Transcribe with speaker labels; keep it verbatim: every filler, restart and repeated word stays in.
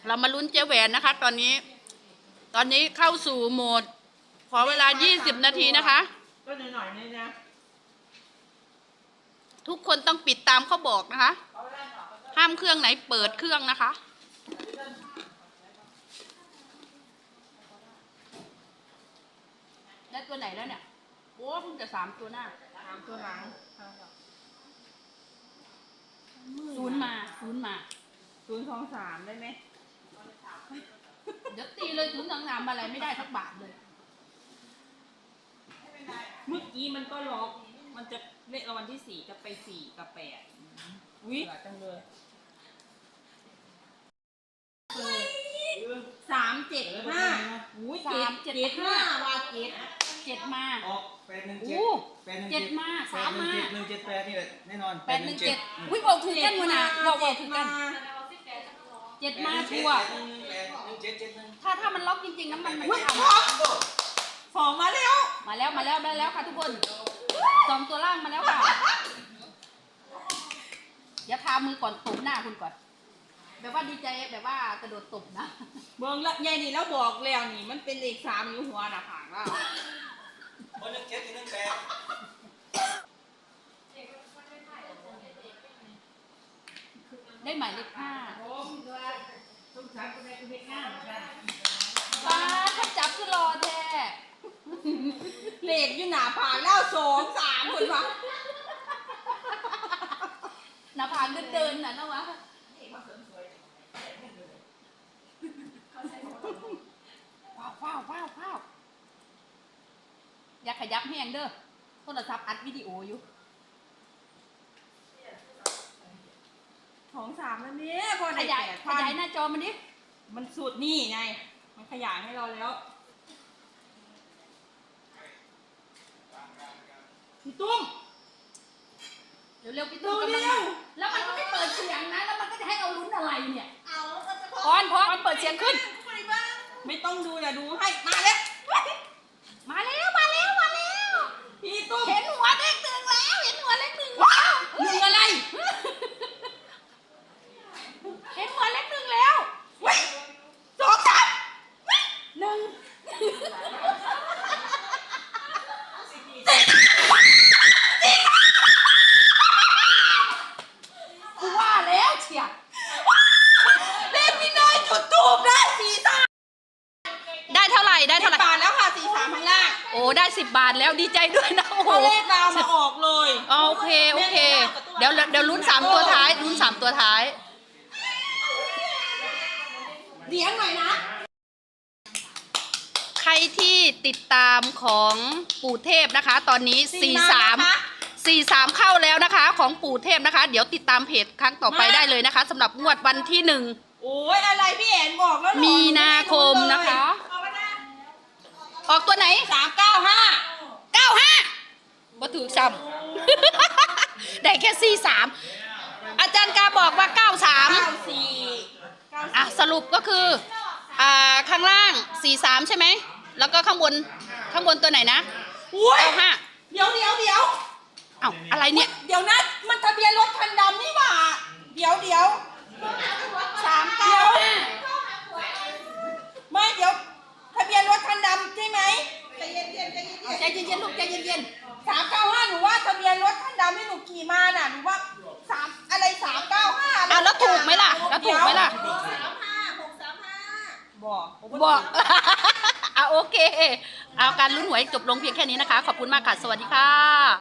Speaker 1: เรามาลุ้นเจ๊แหวนนะคะ ตอนนี้ ตอนนี้เข้าสู่โหมด ขอเวลายี่สิบนาทีนะคะ
Speaker 2: ก็หน่อยๆนี่นะ
Speaker 1: ทุกคนต้องปิดตามเขาบอกนะคะห้ามเครื่องไหนเปิดเครื่องนะคะได้ตัวไหนแล้วเนี่ยโอ้เพิ่งจะสามตัวหน้า
Speaker 2: สามตัวหลัง
Speaker 1: ศูนย์มาศูนย์มา
Speaker 2: ศูนย์สองสามได้ไหม
Speaker 1: เดี๋ยวตีเลยศูนย์สองสามอะไรไม่ได้สักบาทเลย
Speaker 2: เมื่อกี้มันก็ล็อกมันจะเลขรางวัลที่สี่จะไปสี่กับแปดวิจังเลยสามเจ็ดห้าอุ้ยสามเจ็ดห้าวาเจ็ด
Speaker 1: เจ็ดมา
Speaker 3: ออกแปดหนึ่งเจ็ด
Speaker 1: แปดหนึ่งเจ็ดมาสามมา
Speaker 3: หนึ่งเจ็ดแปดนี่แหละแน่นอน
Speaker 1: แปดหนึ่งเจ็ดอุ้ยบอกถูกกันวะนะบอกบอกถูกกันเจ็ดมาชัวถ้าถ้ามันล็อกจริงๆน้ำมันมันไม่ท
Speaker 2: ำสองมาแล้ว
Speaker 1: มาแล้วมาแล้วได้แล้วค่ะทุกคนสองตัวล่างมาแล้วค่ะอย่าพามือก่อนตบหน้าคุณก่อนแบบว่าดีใจแบบว่ากระโดดตบนะ
Speaker 2: เบิ้งละยายนี่แล้วบอกแล้วนี่มันเป็นเลขสามอยู่หัวหน้าผากแล้ว
Speaker 3: คนหนึ่งเจ็ดหนึ่งแปด
Speaker 1: ได้หมายเลขห้าป้าถ้าจับคือรอแท้
Speaker 2: เลขอยู่หน้าผากแล้วสองสามคนวะ
Speaker 1: หน้าผากเดินๆน่ะนะวะว้าวว้าวว้าวว้าวอย่าขยับแห้งเด้อโทรศัพท์อัดวิดีโออยู่
Speaker 2: สองสามแล้วเนี่ยพอ
Speaker 1: ขยายขยายหน้าจอมันดิ
Speaker 2: มันสุดนี่ไงมันขยายให้เราแล้วพี่ตุ้ม
Speaker 1: เร็วๆพี่ตุ้มกำลังแล้วมันก็ไม่เปิดเสียงนะแล้วมันก็จะให้เราลุ้นอะไรเนี่ยพอนพอนเปิดเสียงขึ้น
Speaker 2: ไม่ต้องดูอย่าดูให้มาแล้ว
Speaker 1: มาแล้วมาแล้วมาแล้ว
Speaker 2: พี่ตุ้ม
Speaker 1: เห็นหัวเลขหนึ่งแล้วเห็นหัวเลขหนึ่งแล้ว
Speaker 2: หนึ่งอะไร
Speaker 1: เห็นหัวเลขหนึ่งแล้ว
Speaker 2: สองสาม
Speaker 1: หนึ่งกูว่าแล้วเชีย
Speaker 2: เลขพี่น้อยจุดทูบได้สี่สาม
Speaker 1: ได้เท่าไหร่ได้เท่าไหร่
Speaker 2: บาทแล้วค่ะสี่สามข้างล่าง
Speaker 1: โอ้ได้สิบบาทแล้วดีใจด้วยนะโอ้โห
Speaker 2: เลขเรามาออกเลย
Speaker 1: โอเคโอเคเดี๋ยวเดี๋ยวลุ้นสามตัวท้ายลุ้นสามตัวท้าย
Speaker 2: เลี้ยงหน่อยนะ
Speaker 1: ใครที่ติดตามของปู่เทพนะคะตอนนี้สี่สามสี่สามเข้าแล้วนะคะของปู่เทพนะคะเดี๋ยวติดตามเพจครั้งต่อไปได้เลยนะคะสำหรับงวดวันที่หนึ่ง
Speaker 2: โอ้ยอะไรพี่แอนบอกแล้ว
Speaker 1: มีนาคมนะคะออกตัวไหน
Speaker 2: สามเก้าห้า
Speaker 1: เก้าห้าบ่ถือซ้ำได้แค่สี่สามอาจารย์กาบอกว่าเก้าสาม
Speaker 2: เก้าสี่
Speaker 1: อ่ะสรุปก็คืออ่าข้างล่างสี่สามใช่ไหมแล้วก็ข้างบนข้างบนตัวไหนนะเก้าห้า
Speaker 2: เดี๋ยวเดี๋ยวเดี๋ยว
Speaker 1: เอ้าอะไรเนี่ย
Speaker 2: เดี๋ยวนะมันทะเบียนรถคันดำนี่หว่าเดี๋ยวเดี๋ยวสามเก้าห้าไม่เดี๋ยวทะเบียนรถคันดำใช่ไหมใจเย็นเย็นใจเย็น
Speaker 1: ใจเย็นเย็นลูกใจเย็นเย็น
Speaker 2: สามเก้าห้าหนูว่าทะเบียนรถคันดำที่หนูขี่มาน่ะหนูว่าสามอะไรสามเก้าห้า
Speaker 1: อ่ะแล้วถูกไหมล่ะแล้วถูกไหมล่ะ
Speaker 2: หกสามห้าหกสามห้าบอก
Speaker 1: บอกอ่ะโอเคเอาการลุ้นหวยจบลงเพียงแค่นี้นะคะขอบคุณมากค่ะสวัสดีค่ะ